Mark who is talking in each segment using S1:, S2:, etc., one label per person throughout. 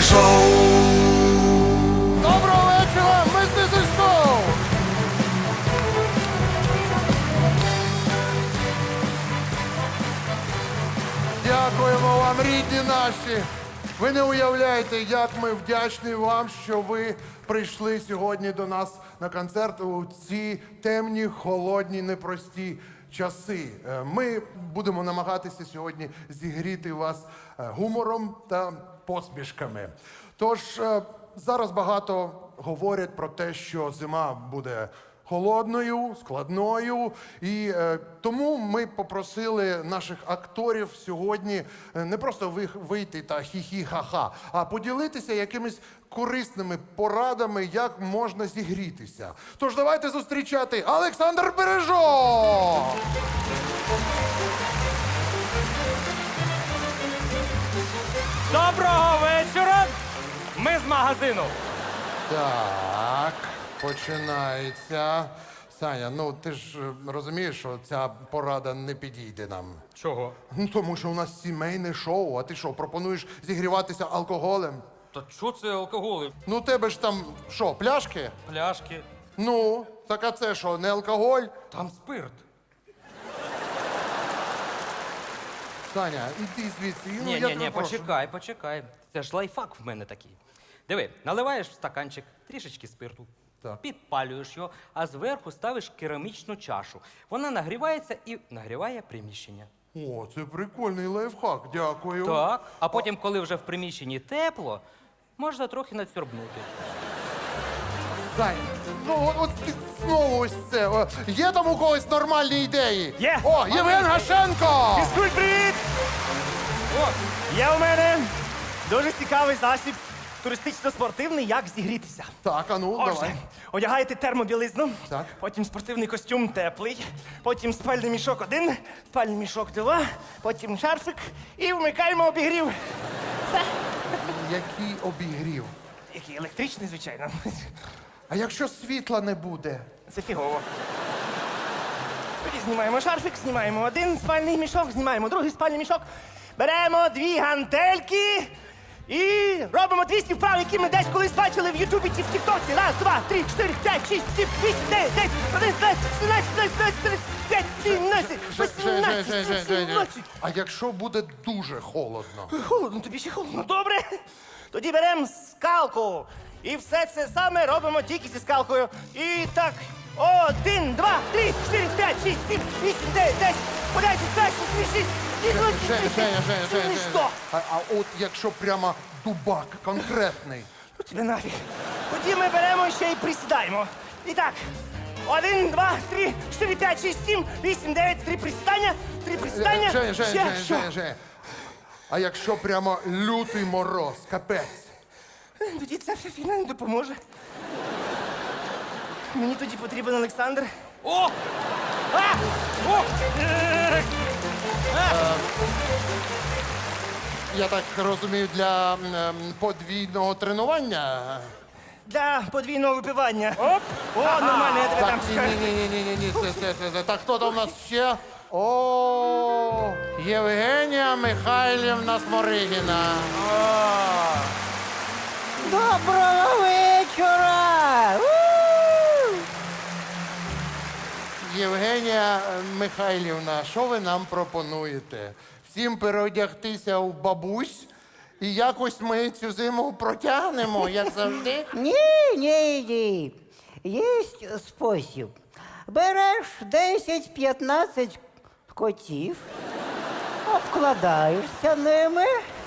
S1: Шоу!
S2: Доброго вечора, мистецтво шоу! Дякуємо вам, рідні наші! Ви не уявляєте, як ми вдячні вам, що ви прийшли сьогодні до нас на концерт у ці темні, холодні, непрості часи. Ми будемо намагатися сьогодні зігріти вас гумором та посмішками. Тож зараз багато говорять про те, що зима буде холодною, складною. І тому ми попросили наших акторів сьогодні не просто вийти та хі-хі-ха-ха, а поділитися якимись корисними порадами, як можна зігрітися. Тож давайте зустрічати Олександр Бережок!
S3: Доброго вечора! Ми з магазину.
S2: Так, починається. Саня, ну ти ж розумієш, що ця порада не підійде нам.
S3: Чого?
S2: Ну, тому що у нас сімейне шоу, а ти що, пропонуєш зігріватися алкоголем?
S3: Та що це алкоголь?
S2: Ну, у тебе ж там, що, пляшки?
S3: Пляшки.
S2: Ну, так а це що, не алкоголь?
S3: Там спирт.
S2: Саня, іди звідси. Ну, я
S3: Ні,
S2: тебе прошу.
S3: почекай. Це ж лайфхак в мене такий. Диви, наливаєш в стаканчик трішечки спирту,
S2: Так.
S3: підпалюєш його, а зверху ставиш керамічну чашу. Вона нагрівається і нагріває приміщення.
S2: О, це прикольний лайфхак, дякую.
S3: Так. А потім, коли вже в приміщенні тепло, можна трохи надсьорбнути.
S2: Сань, ну от ти знову ось це. Є там у когось нормальні ідеї?
S4: Є.
S2: О, Євген Гашенко!
S4: Фізкульт, привіт!
S3: О,
S4: Є у мене дуже цікавий засіб туристично-спортивний, як зігрітися.
S2: Так, а ну, давай.
S4: Отже, одягаєте термобілизну,
S2: Так.
S4: потім спортивний костюм теплий, потім спальний мішок 1, спальний мішок 2, потім шарфик і вмикаємо обігрів.
S2: Який обігрів.
S4: Який електричний, звичайно.
S2: А якщо світла не буде?
S4: Це фігово. Тоді знімаємо шарфик, знімаємо один спальний мішок, знімаємо другий спальний мішок, беремо 2 гантельки і робимо 200 вправ, які ми десь колись бачили в Ютубі чи в Тіктоці. 1, 2, 3, 4, 5, 6, 7, 8, 9, 10, 11, 12, 13, 14, 15, 17, 18, 17.
S2: А якщо буде дуже холодно?
S4: Холодно, тобі ще холодно. Добре. Тоді беремо скалку. І все це саме робимо тільки зі скалкою. І так. 1, 2, 3, 4, 5, 6, 7, 8, 9, 10, 11, 12, 13, 14, 15, Що?
S2: А от якщо прямо дубак конкретний?
S4: Ну тебе нафіг. Тоді ми беремо ще й присідаємо. І так. 1, 2, 3, 4, 5, 6, 7, 8, 9, 3 присідання, 3 присідання.
S2: Женя. А якщо прямо лютий мороз, капець?
S4: Тоді ця вся фігня не допоможе. Мені тоді потрібен Олександр.
S3: О! А! О!
S2: Я так розумію, для подвійного тренування?
S4: Для подвійного випивання. Оп! О, нормально, я тебе
S2: Так,
S4: там чекаю.
S2: ні. Це. Так, хто там у нас ще? О, Євгенія Михайлівна Сморигіна.
S5: Доброго вечора!
S2: Євгенія Михайлівна, що ви нам пропонуєте? Всім переодягтися в бабусь і якось ми цю зиму протягнемо, як завжди?
S5: Ні. Є спосіб. Береш 10-15 котів, обкладаєшся ними.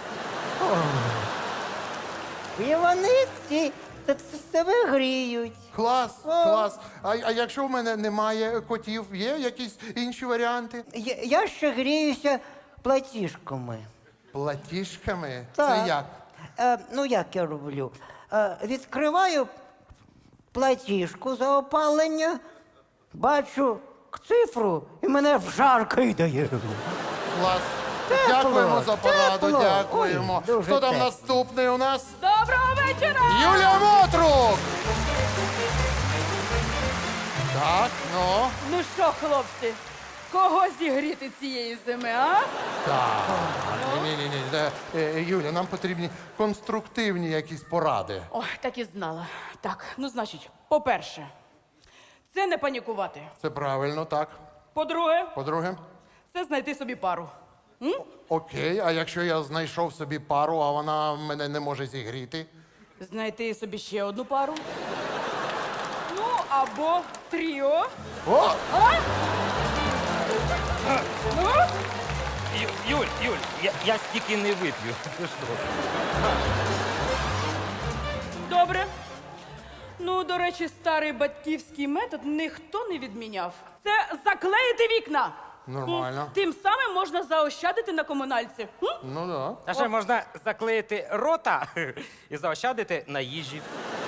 S5: І вони тебе гріють.
S2: Клас. А якщо в мене немає котів, є якісь інші варіанти?
S5: Я ще гріюся платіжками.
S2: Платіжками?
S5: Так.
S2: Це як?
S5: Ну, як я роблю? Відкриваю платіжку за опалення, бачу цифру і мене в жар кидає.
S2: Клас.
S5: Тепло,
S2: Дякуємо за пораду,
S5: тепло.
S2: дякуємо.
S5: Ой, дуже
S2: Хто там
S5: тепло.
S2: наступний у нас?
S6: Доброго вечора!
S2: Юлія Мотрук! Так, ну.
S6: Ну що, хлопці,
S1: Кого зігріти цієї зими, а?
S2: Ні. Юля, нам потрібні конструктивні якісь поради.
S1: Ой, так і знала. Так, ну значить, по-перше, це не панікувати.
S2: Це правильно, так.
S1: По-друге,
S2: По-друге,
S1: це знайти собі пару.
S2: окей, а якщо я знайшов собі пару, а вона мене не може зігріти?
S1: Знайти собі ще одну пару. Ну, або тріо.
S2: О!
S1: Ну,
S3: Юль, я стільки не вип'ю. Ти що?
S1: добре. Ну, до речі, старий батьківський метод ніхто не відміняв. Це заклеїти вікна.
S2: Нормально.
S1: Тим самим можна заощадити на комунальці.
S2: Ну да.
S3: А ще можна заклеїти рота і заощадити на їжі.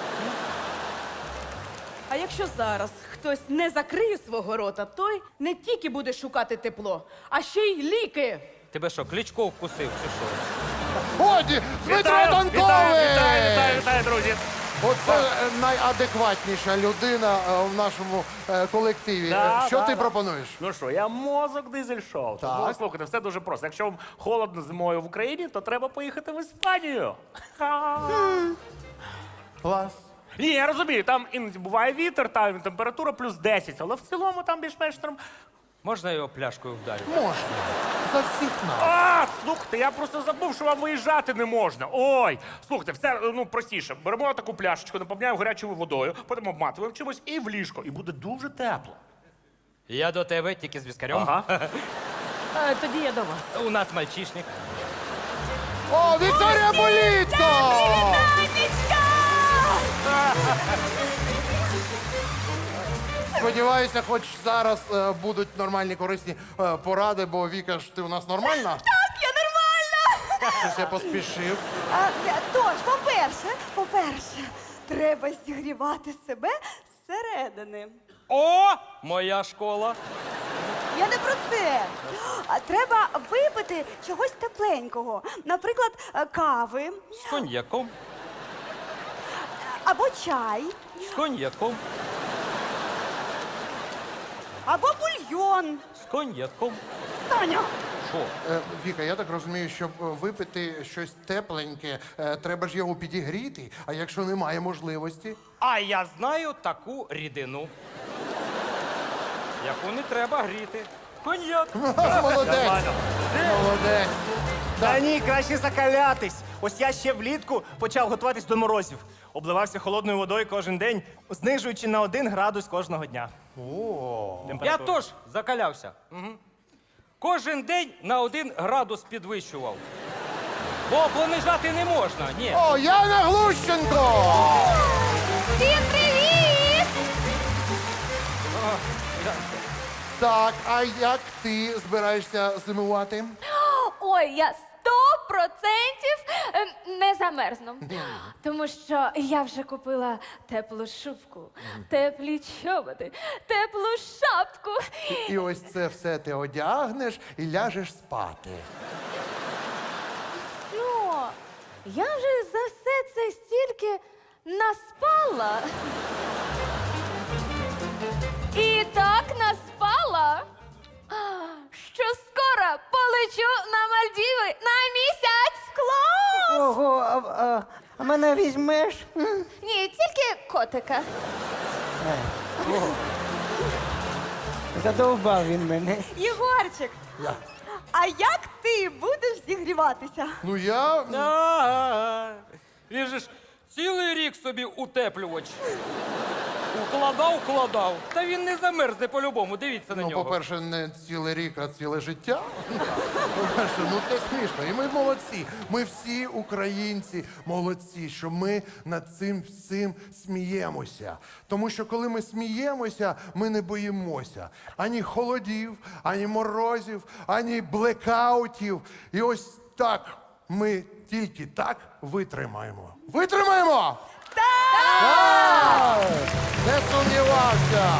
S1: А якщо зараз хтось не закриє свого рота, той не тільки буде шукати тепло, а ще й ліки.
S3: Тебе що, Кличко вкусив чи що?
S2: Годі! Дмитро Танковий!
S6: Вітаю, друзі!
S2: Оце найадекватніша людина в нашому колективі. Що ти пропонуєш?
S6: Ну що, я мозок дизель-шоу.
S2: Так.
S6: Тому, слухайте, все дуже просто. Якщо вам холодно зимою в Україні, то треба поїхати в Іспанію. Ха.
S2: Клас.
S6: Ні, я розумію, там іноді буває вітер, там температура плюс 10, але в цілому там більш-менш норм.
S3: Можна його пляшкою вдарити?
S2: Можна. За всіх нас.
S6: А, слухайте, я просто забув, що вам виїжджати не можна. Ой, слухайте, все простіше. Беремо таку пляшечку, наповняємо гарячою водою, потім обматуємо чимось і в ліжко. І буде дуже тепло.
S3: Я до тебе тільки з віскарем.
S6: Ага.
S1: Тоді я до вас.
S3: У нас мальчишник.
S2: О, Вікторія Болітко! Сподіваюся, хоч зараз будуть нормальні корисні поради, бо Віка ж ти у нас нормальна?
S7: Так, я нормальна.
S2: Щось я поспішив.
S7: Тож, по-перше, треба зігрівати себе зсередини.
S3: О, моя школа.
S7: Я не про це. Треба випити чогось тепленького. Наприклад, кави
S3: З коньяком,
S7: або чай,
S3: з коньяком,
S7: або бульйон.
S3: з коньяком.
S7: Таня,
S3: Що?
S2: Віка, я так розумію, щоб випити щось тепленьке, треба ж його підігріти, а якщо немає можливості.
S3: А я знаю таку рідину, яку не треба гріти. Коньяк.
S2: Молодець! Молодець!
S4: Та ні, краще закалятись. Ось я ще влітку почав готуватись до морозів. Обливався холодною водою кожен день, знижуючи на 1 градус кожного дня.
S3: Я теж закалявся. Угу. Кожен день на 1 градус підвищував. Бо понижати не можна, ні.
S2: О, Яна Глущенко!
S7: всім привіт!
S2: Так, а як ти збираєшся зимувати?
S8: Ой, я 100% не замерзну. Тому що я вже купила теплу шубку, теплі чоботи, теплу шапку.
S2: І ось це все ти одягнеш і ляжеш спати.
S8: Ну, я вже за все це стільки наспала. І так наспала, що скоро полечу на Мальдіви на місяць. Клас!
S5: Ого, а мене візьмеш?
S8: Ні, тільки котика.
S5: Задовбав він мене.
S7: Єгорчик, а як ти будеш зігріватися?
S2: Ну я.
S3: Він же ж цілий рік собі утеплювач. Укладав. Та він не замерзне по-любому, дивіться на
S2: Ну,
S3: нього.
S2: по-перше, не цілий рік, а ціле життя. По-перше, ну це смішно. І ми молодці. Ми всі українці молодці, що ми над цим всім сміємося. Тому що коли ми сміємося, ми не боїмося ані холодів, ані морозів, ані блекаутів. І ось так ми тільки так витримаємо. Витримаємо! Так! Не сумнівався!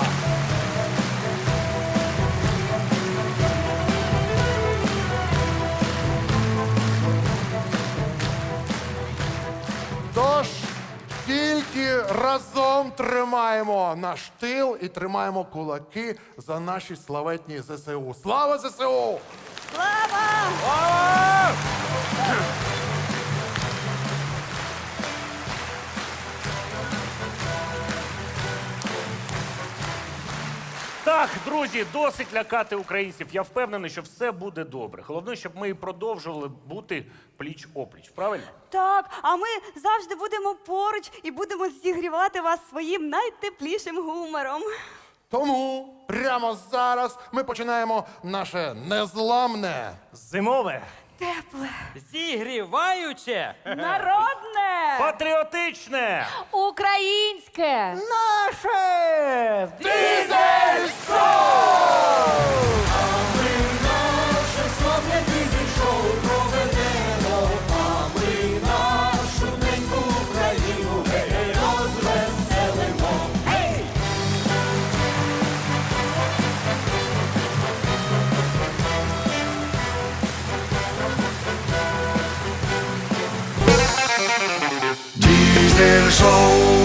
S2: Тож, тільки Тільки разом тримаємо наш тил і тримаємо кулаки за наші славетні ЗСУ. Слава ЗСУ!
S7: Слава!
S6: Так, друзі, досить лякати українців. Я впевнений, що все буде добре. Головне, щоб ми і продовжували бути пліч-опліч. Правильно?
S7: Так, а ми завжди будемо поруч і будемо зігрівати вас своїм найтеплішим гумором.
S2: Тому прямо зараз ми починаємо наше незламне.
S4: Зимове.
S7: Тепле.
S3: Зігріваюче.
S1: Народне!
S6: Патріотичне!
S8: Українське!
S5: Наше!
S2: Дизель
S9: Diesel Show.